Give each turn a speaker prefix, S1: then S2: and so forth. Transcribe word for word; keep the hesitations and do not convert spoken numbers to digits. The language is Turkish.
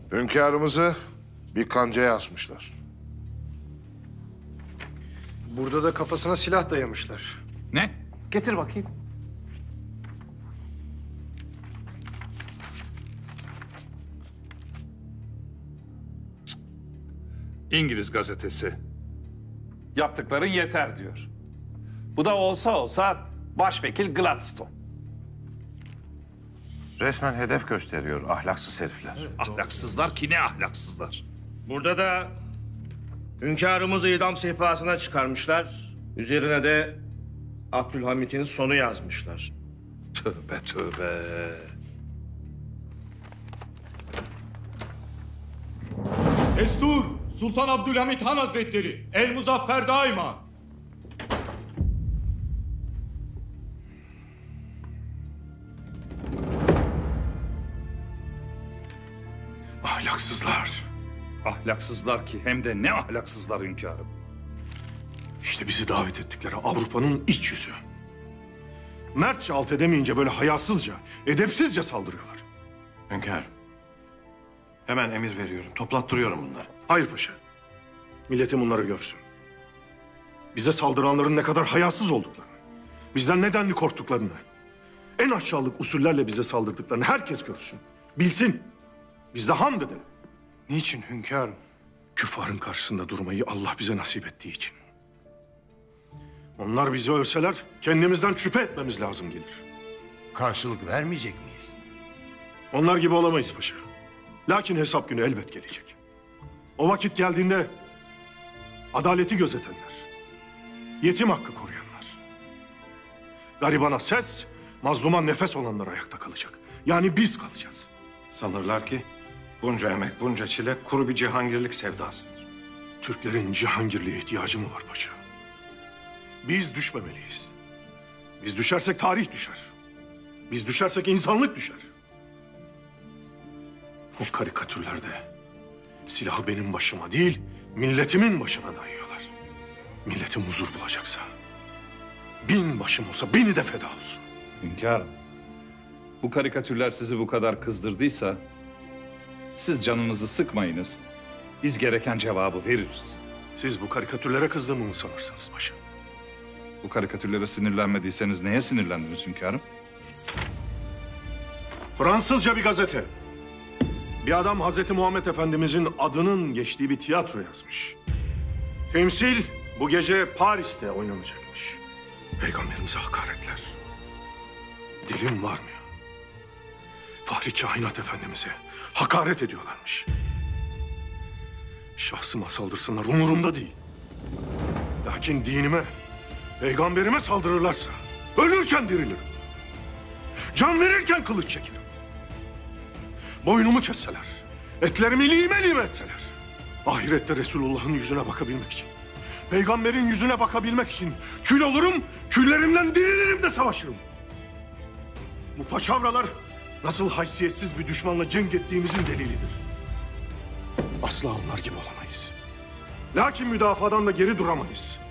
S1: Hünkârımızı bir kancaya asmışlar.
S2: Burada da kafasına silah dayamışlar.
S3: Ne?
S4: Getir bakayım.
S3: İngiliz gazetesi.
S5: Yaptıkların yeter diyor. Bu da olsa olsa başvekil Gladstone.
S6: Resmen hedef gösteriyor ahlaksız herifler.
S3: Ahlaksızlar ki ne ahlaksızlar.
S7: Burada da hünkârımızı idam sehpasına çıkarmışlar. Üzerine de Abdülhamit'in sonu yazmışlar.
S3: Tövbe tövbe.
S8: Destur! Sultan Abdülhamit Han Hazretleri! El Muzaffer daima!
S9: Ahlaksızlar.
S3: Ahlaksızlar ki hem de ne ahlaksızlar hünkârım.
S9: İşte bizi davet ettikleri Avrupa'nın iç yüzü. Mertçe alt edemeyince böyle hayasızca, edepsizce saldırıyorlar.
S6: Hünkâr, hemen emir veriyorum. Toplattırıyorum bunları.
S9: Hayır paşa. Milletim bunları görsün. Bize saldıranların ne kadar hayasız olduklarını, bizden nedenli korktuklarını, en aşağılık usullerle bize saldırdıklarını herkes görsün. Bilsin. Biz de hamd edelim.
S2: Niçin hünkârım?
S9: Küffarın karşısında durmayı Allah bize nasip ettiği için. Onlar bizi ölseler kendimizden şüphe etmemiz lazım gelir.
S4: Karşılık vermeyecek miyiz?
S9: Onlar gibi olamayız paşa. Lakin hesap günü elbet gelecek. O vakit geldiğinde adaleti gözetenler, yetim hakkı koruyanlar, garibana ses, mazluma nefes olanlar ayakta kalacak. Yani biz kalacağız.
S6: Sanırlar ki bunca emek, bunca çile kuru bir cihangirlik sevdasıdır.
S9: Türklerin cihangirliğe ihtiyacı mı var paşa? Biz düşmemeliyiz. Biz düşersek tarih düşer. Biz düşersek insanlık düşer. O karikatürlerde silahı benim başıma değil, milletimin başına dayıyorlar. Milletim huzur bulacaksa bin başım olsa bini de feda olsun.
S3: Hünkârım, bu karikatürler sizi bu kadar kızdırdıysa siz canınızı sıkmayınız. Biz gereken cevabı veririz.
S9: Siz bu karikatürlere kızdığımı mı sanırsınız paşa?
S3: Bu karikatürlere sinirlenmediyseniz neye sinirlendiniz hünkârım?
S9: Fransızca bir gazete. Bir adam Hazreti Muhammed Efendimizin adının geçtiği bir tiyatro yazmış. Temsil bu gece Paris'te oynanacakmış. Peygamberimize hakaretler. Dilim varmıyor. Fahri Kainat Efendimiz'e hakaret ediyorlarmış. Şahsıma saldırsınlar umurumda değil. Lakin dinime, peygamberime saldırırlarsa ölürken dirilirim. Can verirken kılıç çekerim. Boynumu kesseler, etlerimi lime lime etseler, ahirette Resulullah'ın yüzüne bakabilmek için, peygamberin yüzüne bakabilmek için kül olurum, küllerimden dirilirim de savaşırım. Bu paçavralar nasıl haysiyetsiz bir düşmanla cenk ettiğimizin delilidir. Asla onlar gibi olamayız. Lakin müdafadan da geri duramayız.